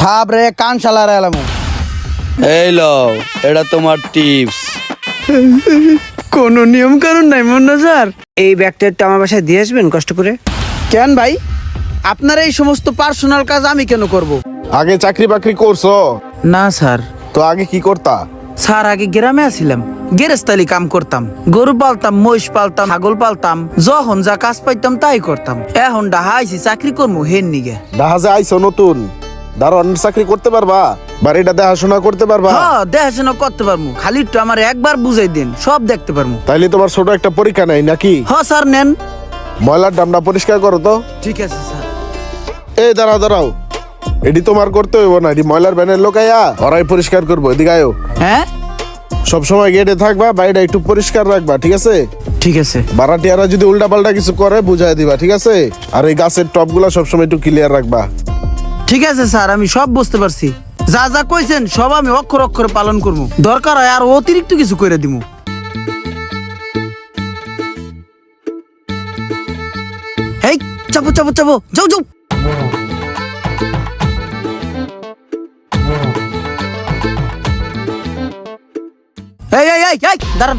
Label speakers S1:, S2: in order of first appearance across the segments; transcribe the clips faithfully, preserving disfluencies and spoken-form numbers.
S1: থাপ রে কান শালার এলামু।
S2: এই লও, এটা তোমার টিপস।
S1: কোনো নিয়ম কানুন নাই মুন্না স্যার।
S3: এই ব্যাগটা একটু আমার বাসায় দিয়ে আসবেন কষ্ট করে।
S1: কেন ভাই, আপনার এই সমস্ত পার্সোনাল কাজ আমি কেন করব?
S4: আগে চাকরি বাকরি করছো?
S1: না স্যার।
S4: তো আগে কি করতা?
S1: স্যার আগে গ্রামে আছিলাম, গেরেস্তালি কাম করতাম, গরু পালতাম, মহিষ পালতাম, ছাগল পালতাম, যখন যা কাজ পাইতাম তাই করতাম। এখন ডাহা আইছি চাকরি করবো হেন নিগে।
S4: জাহাজে আইছো নতুন, দারোয়ানের চাকরি করতে পারবা? বাড়িটা দেখাশোনা করতে পারবা?
S1: হ্যাঁ দেখাশোনা করতে পারবো, খালি একটু আমার একবার বুঝাই দিন, সব দেখতে পারবো।
S4: তাইলে তোমার ছোট একটা পরীক্ষা নাই নাকি?
S1: হ্যাঁ স্যার নেন।
S4: ময়লার ডামটা পরিষ্কার করো তো।
S1: ঠিক আছে স্যার।
S4: এই দাঁড়াও দাঁড়াও, এটি তোমার করতে হইব না, এটি ময়লার ভ্যানের লোকাইয়া ওরাই পরিষ্কার করবো। এদিকে আয়ো।
S1: হ্যাঁ
S4: সবসময় গেটে থাকবা, বাড়িটা একটু পরিষ্কার রাখবা, ঠিক আছে?
S1: ঠিক আছে।
S4: ভাড়াটিয়ারা যদি উল্টা পাল্টা কিছু করে বুঝাই দিবা, ঠিক আছে? আর এই গাছের টপ গুলা সবসময় একটু ক্লিয়ার রাখবা।
S1: ঠিক আছে স্যার, আমি সব বুঝতে পারছি। যা যা কইছেন সব আমি অক্ষর অক্ষরে পালন করবো, দরকার হয় আর অতিরিক্ত কিছু করে দিব। এই চাপো চাপো চাপো, যাও যাও। এই এই এই এই দাঁড়ান।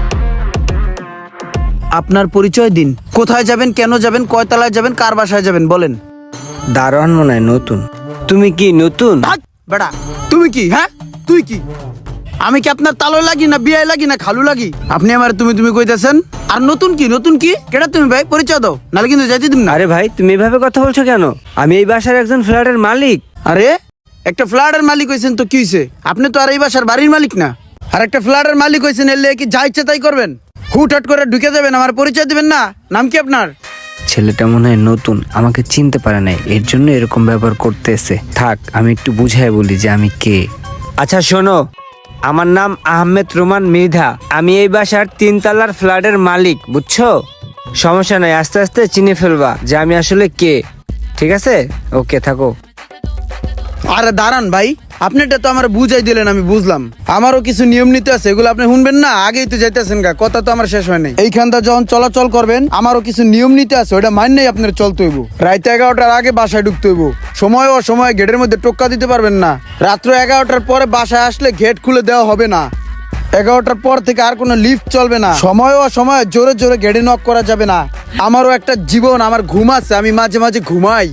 S1: আপনার পরিচয় দিন, কোথায় যাবেন, কেন যাবেন, কয় তলায় যাবেন, কার বাসায় যাবেন বলেন।
S3: দারোয়ান মনে হয় নতুন। তুমি কি নতুন?
S1: ভাগ, বেটা তুমি কি? হ্যাঁ তুই কি? আমি কি আপনার তালো লাগি না বিয়ে লাগি না খালু লাগি? আপনি আমার তুমি তুমি কইতেছেন। আর নতুন কি নতুন কি কেটা তুমি ভাই, পরিচয় দাও, নালে কিন্তু যাইতে দিন না।
S3: আরে ভাই তুমি এভাবে কথা বলছো কেন? আমি এই বাসার একজন ফ্ল্যাটের মালিক।
S1: আরে একটা ফ্ল্যাটের মালিক হইছেন তো কি হইছে? আপনি তো আর এই বাসার বাড়ির মালিক না। আর একটা ফ্ল্যাটের মালিক হইছেন, এলে কি যা ইচ্ছা তাই করবেন? হুটহাট করে ঢুকে যাবেন, আমার পরিচয় দিবেন না? নাম কি আপনার?
S3: ছেলেটা মনে হয় নতুন, আমাকে চিনতে পারে নাই, এর জন্য এরকম ব্যবহার করতেছে। থাক আমি একটু বুঝাই বলি যে আমি কে। আচ্ছা শোনো, আমার নাম আহমেদ রোমান মৃধা। আমি এই বাসার তিনতলার ফ্ল্যাটের মালিক, বুঝছো? সমস্যা নাই, আস্তে আস্তে চিনে ফেলবা যে আমি আসলে কে। ঠিক আছে, ওকে থাকো।
S1: আরে দাঁড়ান ভাই, আপনি এটা তো আমার বুঝাই দিলেন, আমি বুঝলাম। আমারও কিছু নিয়ম নীতি আছে, এগুলো আপনি শুনবেন না? আগেই তো যাইতেছেন গা, কথা তো আমার শেষ হয় নাই। এইখানটা যখন চলাচল করবেন, আমারও কিছু নিয়ম নীতি আছে, ওটা মানলেই আপনার চলতে হইব। রাত এগারোটার আগে বাসায় ঢুকতে হইব, সময় ও সময় গেটের মধ্যে টোক্কা দিতে পারবেন না। রাত্র এগারোটার পরে বাসায় আসলে গেট খুলে দেওয়া হবে না। এগারোটার পর থেকে আর কোনো লিফট চলবে না। সময় ও সময় জোরে জোরে গেটে নক করা যাবে না। আমারও একটা জীবন, আমার ঘুম আছে, আমি মাঝে মাঝে ঘুমাই।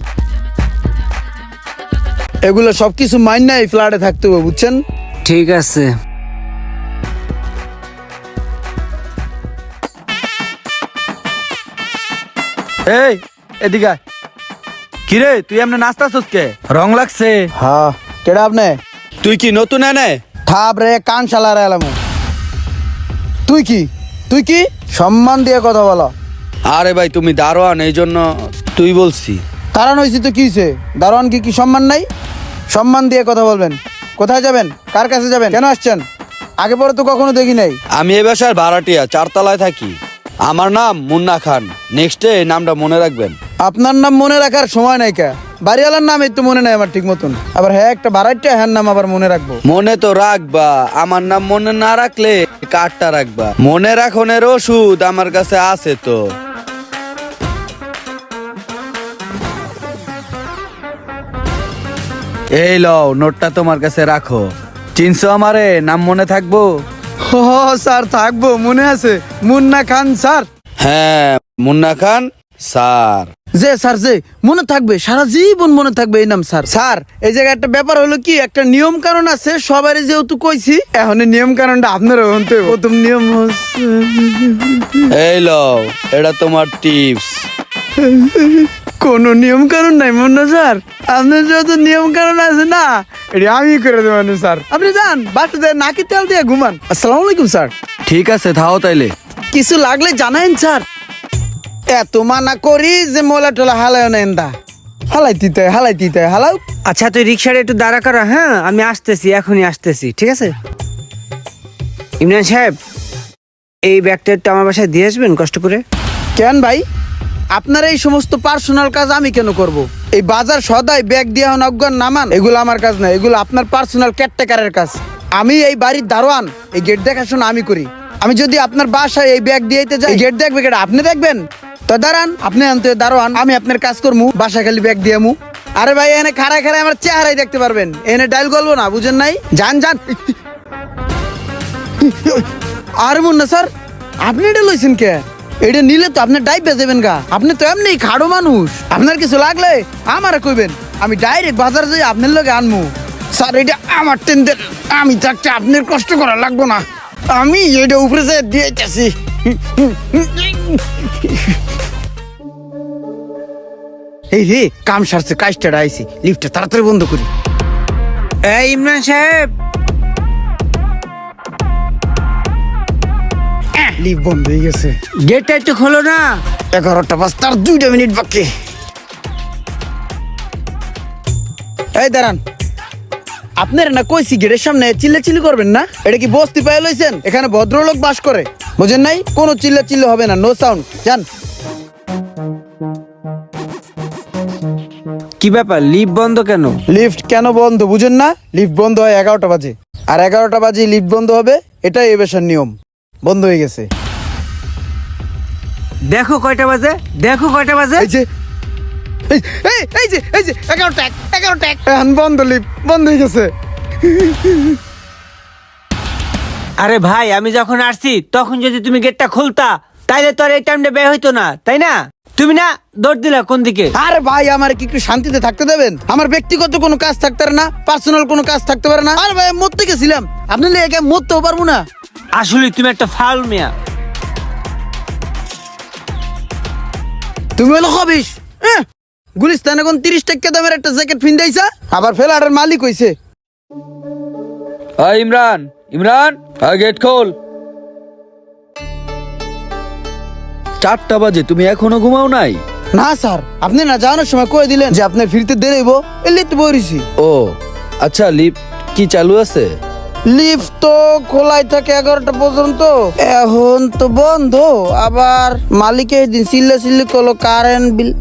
S1: এগুলো সবকিছু মাইন না এই ফ্ল্যাটে থাকতে হবে, বুঝছেন?
S3: ঠিক আছে।
S2: এই এদিকে কিরে, তুই এমনি নাস্তাছস কে? রং লাগছে।
S1: হ্যাঁ কেডা আপনি?
S2: তুই কি নতুন এনে?
S1: থাপ রে কান শালার এলামু। তুই কি তুই কি সম্মান দিয়ে কথা বলো।
S2: আরে ভাই তুমি দারোয়ান, এই জন্য তুই বলছি।
S1: কারণ হয়েছি তো কি হয়েছে? দারোয়ান কি কি সম্মান নাই? সম্মান দিয়ে কথা বলবেন। কোথায় যাবেন, কার কাছে যাবেন, কেন আসছেন? আগে পরে তো কখনো দেখি নাই।
S2: আমি এ বাসার ভাড়াটিয়া, চারতলায় থাকি। আমার নাম মুন্না খান। নেক্সটে এই নামটা মনে রাখবেন।
S1: আপনার নাম মনে রাখার সময় নাই কা? বাড়িওয়ালার নাম এই তো মনে নাই আমার ঠিক মতন, আবার হ্যাঁ একটা ভাড়াটিয়া, হ্যাঁ নাম আবার মনে রাখবো?
S2: মনে তো রাখবা, আমার নাম মনে না রাখলে কার্ডটা রাখবা। মনে রাখনের ওষুধ আমার কাছে আছে তো। এই লও, নোটটা তোমার কাছে রাখো। চিনছো আমারে? নাম মনে থাকবো?
S1: ও স্যার থাকবো, মনে আছে, মুন্না খান স্যার।
S2: হ্যাঁ মুন্না খান স্যার।
S1: যে স্যার যে মনে থাকবে, সারা জীবন মনে থাকবে এই নাম স্যার। স্যার এই জায়গায় একটা ব্যাপার হলো কি, একটা নিয়ম কারণ আছে, সবারই যেহেতু কইছি, এখন এই নিয়ম কারণটা আপনারও হতে হবে। প্রথম নিয়ম হচ্ছে,
S2: এই লও, এটা তোমার টিপস।
S1: কোনো নিয়ম কারণ নাই মুন্না স্যার, আপনার যেহেতু নিয়ম কারণ আছে না, এটা আমি করে দেবেন স্যার। আপনি যান বাসাতে নাকি তেল দিয়ে ঘুমান। আসসালামু আলাইকুম স্যার।
S2: ঠিক আছে থাও তাইলে।
S1: কিছু লাগলে জানাইন স্যার। এত মানা করি যে মোলা টোলা হালায় নেন দা, হালাই দিতে হালাই দিতে হালাও।
S3: আচ্ছা তুই রিক্সাটা একটু দাঁড়া করা, হ্যাঁ আমি আসতেছি, এখনই আসতেছি, ঠিক আছে? ইমরান সাহেব, এই ব্যাগটা একটু আমার বাসায় দিয়ে আসবেন কষ্ট করে।
S1: কেন ভাই, আপনার এই সমস্ত পার্সোনাল কাজ আমি কেন করব? এই বাজার সদাই ব্যাগ দিয়ে অজ্ঞান নামান, এগুলো আমার কাজ না, এগুলো আপনার পার্সোনাল কেয়ারটেকারের কাজ। আমি এই বাড়ির দারোয়ান, এই গেট দেখাশোনা আমি করি। আমি যদি আপনার বাসায় এই ব্যাগ দিয়ে যাই, গেট দেখবে কেটা? আপনি দেখবেন তো? দাঁড়ান, আপনি আনতে দারোয়ান, আমি আপনার কাজ করমু, বাসা খালি ব্যাগ দিয়ে মু। আরে ভাই এনে খাড়ায় খাড়ায় আমার চেহারাই দেখতে পারবেন, এনে ডাইল গলবো না, বুঝেন নাই? যান যান। আরে মুন্না স্যার, আপনি এটা লইছেন কে? এটা নিলে তো আপনি ডাইভ বেজেবেন গা, আপনি তো এমনি খাড়ো মানুষ, আপনার কিছু লাগলে আমারে কইবেন, আমি ডাইরেক্ট বাজার যাই আপনার লগে আনমু। স্যার এটা আমার টেন্ডার, আমি থাকতে আপনার কষ্ট করা লাগবো না, আমি এটা উপরে যে দিয়েছি। এই রে কাম সারছে, কাজটা আইছি, লিফটটা তাড়াতাড়ি বন্ধ করি।
S3: এই ইমরান সাহেব,
S1: লিফট বন্ধ হয়ে গেছে,
S3: গেটটা একটু খোলো না।
S1: এগারোটা বাজ তার দুইটা মিনিট বাকি। এই দাঁড়ান, আপনার না কইছি গেটের সামনে চিল্লা চিল্লি করবেন না, এটা কি বস্তি পায়ে লইছেন? এখানে ভদ্রলোক বাস করে, বুঝেন নাই? কোনো চিল্লা চিল্লি হবে না, নো সাউন্ড, জান।
S3: কি ব্যাপার, লিফট বন্ধ কেন?
S1: লিফট কেন বন্ধ বুঝেন না? লিফট বন্ধ হয় এগারোটা বাজে, আর এগারোটা বাজে লিফট বন্ধ হবে, এটাই এ বেশার নিয়ম। বন্ধ হয়ে গেছে।
S3: দেখো কয়টা বাজে, দেখো কয়টা বাজে।
S1: এই যে এই এই এই যে এই যে এগারোটা এক, এগারোটা এক, এখন বন্ধ, লিফট বন্ধ হয়ে গেছে।
S3: আরে ভাই, আমি যখন আসছি তখন যদি তুমি গেটটা খুলতা তাইলে তো আর এই টাইমটা বের হইতো না, তাই না? তুমি না দৌড় দিলা কোন দিকে?
S1: আরে ভাই, আমার কি একটু শান্তিতে থাকতে দেবেন? আমার ব্যক্তিগত কোনো কাজ থাকতে পারে না, পার্সোনাল কোনো কাজ থাকতে পারে না। আরে ভাই, আমি মরতে গেছিলাম, আপনি একা মরতেও পারবো না।
S3: আসলে তুমি একটা ফাউল মিয়া।
S1: তুমি হলো হবিস। গুলিস্তান এখন তিরিশ টাকা দামের একটা জ্যাকেট ফিন্দাইছা, আবার ফেলারের মালিক হইছে।
S2: হাই ইমরান, ইমরান গেট খোল। চারটা বাজে, তুমি এখনো ঘুমাও নাই?
S1: না স্যার, আপনি না যাওয়ানোর সময় কয়ে দিলেন যে আপনার ফিরতে দেরি হইব, এলি তো বইছি।
S2: ও আচ্ছা, লিফট কি চালু আছে?
S1: লিফট তো খোলাই থাকে এগারোটা পর্যন্ত, এখন তো বন্ধ। আবার মালিকে দিন সিল্লে সিল্লি করলো কারেন্ট বিল।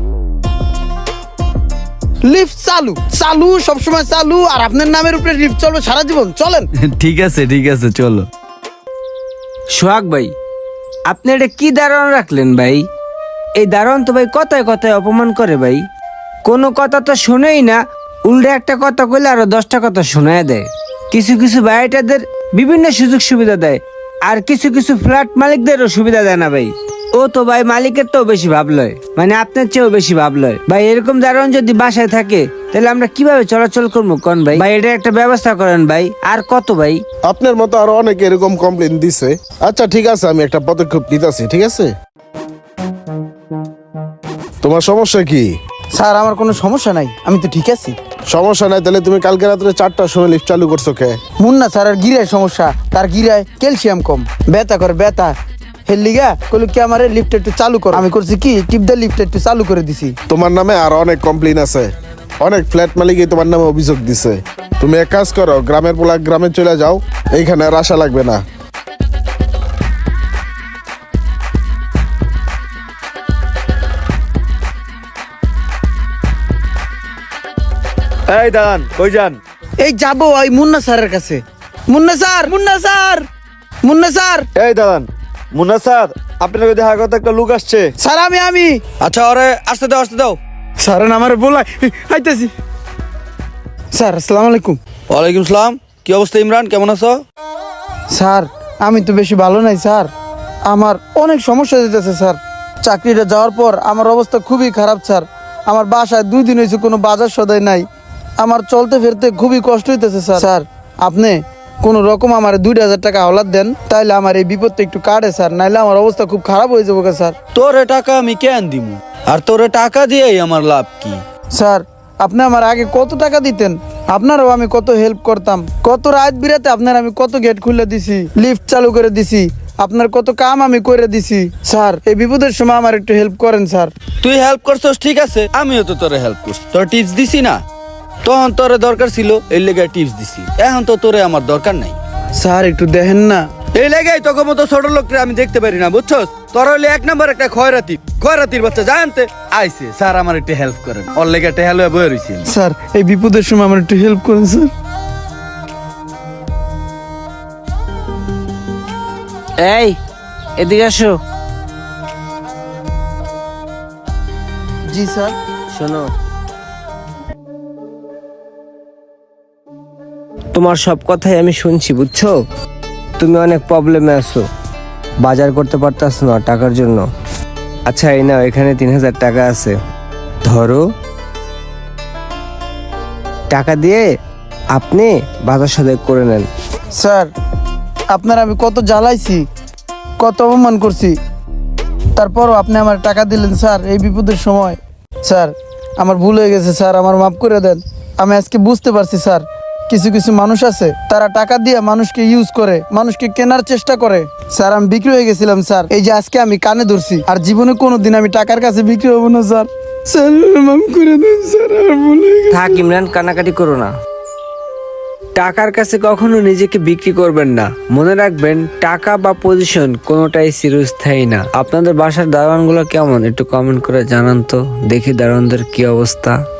S1: লিফট চালু চালু সবসময় চালু, আর আপনার নামের উপরে লিফট চলবে সারা জীবন। চলেন।
S2: ঠিক আছে ঠিক আছে, চলো।
S3: সোহাগ ভাই, আপনি এটা কি দারোয়ান রাখলেন ভাই? এই দারোয়ান তো ভাই কথায় কথায় অপমান করে ভাই, কোনো কথা তো শোনেই না, উল্টে একটা কথা কইলে আরো দশটা কথা শোনায় দেয়। কিছু কিছু বাড়িটাদের বিভিন্ন সুযোগ সুবিধা দেয়, আর কিছু কিছু ফ্ল্যাট মালিকদেরও সুবিধা দেয় না ভাই। ও তো ভাই মালিকের তো বেশি ভাব লয়, মানে আপনার চেয়েও বেশি ভাব লয় ভাই। এরকম দারোয়ান যদি বাসায় থাকে তাহলে আমরা কিভাবে চলাচল করবো কোন ভাই? ভাই এটা একটা ব্যবস্থা করেন ভাই। আর কত ভাই?
S4: আপনার মতো আরো অনেকে এরকম কমপ্লেন দিছে। আচ্ছা ঠিক আছে, আমি একটা পদক্ষেপ নিতেছি, ঠিক আছে? তোমার সমস্যা কি?
S1: স্যার আমার কোনো সমস্যা নাই, আমি তো ঠিক আছি।
S4: সমস্যা নাই, তাহলে তুমি কালকে রাত্রে চারটার সময় লিফট চালু করছো কে?
S1: মুন্না স্যার আর গিরায় সমস্যা, তার গিরায় ক্যালসিয়াম কম, ব্যথা করে ব্যথা। হেলিগা কইলো কি আমারে লিফট একটু চালু করো, আমি করছি কি টিপ দা লিফট একটু চালু করে দিছি।
S4: তোমার নামে আর অনেক কমপ্লেন আছে, অনেক ফ্ল্যাট মালিকই তোমার নামে অভিযোগ দিছে। তুমি এক কাজ করো, গ্রামের পোলা গ্রামে চলে যাও, এইখানে আর আসা লাগবে না।
S2: এই দাঁড়ান, কই যান?
S1: এই যাবো ওই মুন্না স্যারের কাছে। Munna sir, Munna sir, Munna sir.
S5: এই দাঁড়ান, মুন্না স্যার, আপনাকে দেখা কথা একটা লোক আসছে।
S1: স্যার আমি আমি
S2: আচ্ছা, ওরে আসতে দাও আসতে দাও।
S1: স্যার আমার বলাই আইতাছি। স্যার আসসালামু আলাইকুম।
S2: ওয়ালাইকুম সালাম। কি অবস্থা ইমরান, কেমন আছো?
S1: স্যার আমি তো বেশি ভালো নাই স্যার, আমার অনেক সমস্যা দিতেছে স্যার। চাকরিটা যাওয়ার পর আমার অবস্থা খুবই খারাপ স্যার। আমার বাসায় দুই দিন হয়েছে কোনো বাজার সদাই নাই, আমার চলতে ফিরতে খুবই কষ্ট হইতেছে স্যার। স্যার আপনি কোনো রকম আমার দুই হাজার টাকা হাওলাত দেন, তাইলে আমার এই বিপদটা একটু কাটে স্যার, নাইলে আমার অবস্থা খুব খারাপ হয়ে যাবো স্যার।
S2: তোরে টাকা আমি কেন দিমু? আর তোরে টাকা দিয়েই আমার লাভ কি?
S1: স্যার আপনি আমার আগে কত টাকা দিতেন, আপনারও আমি কত হেল্প করতাম, কত রাত বিরাতে আপনার আমি কত গেট খুলে দিছি, লিফট চালু করে দিছি, আপনার কত কাম আমি করে দিছি। স্যার এই বিপদের সময় আমার একটু হেল্প করেন স্যার।
S2: তুই হেল্প করছস ঠিক আছে, আমিও তো তোরে হেল্প করছি, তোর টিপস দিছি না? তখন তোরে দরকার ছিল, এই লেগে টিপস দিছি। এখন তো তোরে আমার দরকার নাই।
S1: স্যার একটু দেখেন না।
S2: এই লেগেই তোকে মতো ছোট লোককে আমি দেখতে পারি না, বুঝছস? তোর হইলে এক নম্বর একটা খয়রাতি, খয়রাতির বাচ্চা জানতে আইছে। স্যার আমার একটু হেল্প করেন, ওর লেগে একটা হেল্প বয়ে রয়েছি।
S1: স্যার এই বিপদের সময় আমার একটু হেল্প করেন স্যার।
S3: এই এদিকে আসো।
S1: জি স্যার।
S3: শোনো, তোমার সব কথাই আমি শুনছি বুঝছো, তুমি অনেক প্রবলেমে আছো, বাজার করতে পারতাছ না টাকার জন্য। আচ্ছা এই নাও, এখানে তিন হাজার টাকা আছে, ধরো। টাকা দিয়ে আপনি বাজার সদাই করে নেন।
S1: স্যার আপনার আমি কত জ্বালাইছি, কত অপমান করছি, তারপরও আপনি আমার টাকা দিলেন স্যার এই বিপদের সময়। স্যার আমার ভুল হয়ে গেছে স্যার, আমার মাফ করে দেন। আমি আজকে বুঝতে পারছি স্যার, কিছু কিছু মানুষ আছে তারা টাকা দিয়ে মানুষকে ইউজ করে, মানুষকে কেনার চেষ্টা করে। স্যার আমি বিক্রি হয়ে গেছিলাম স্যার, এই যে আজকে আমি কানে ধরছি, আর জীবনে কোনোদিন আমি টাকার কাছে বিক্রি হবো না স্যার। স্যার মাফ করে দেন স্যার, আমার ভুল হয়ে গেছে।
S3: থাক ইমরান, কানাকাটি করো না। টাকার কাছে কখনো নিজেকে বিক্রি করবেন না। মনে রাখবেন, টাকা বা পজিশন কোনোটাই চিরস্থায়ী না। আপনাদের বাসার দারোয়ানগুলো কেমন একটু কমেন্ট করে জানান তো, দেখি দারোয়ানদের কি অবস্থা।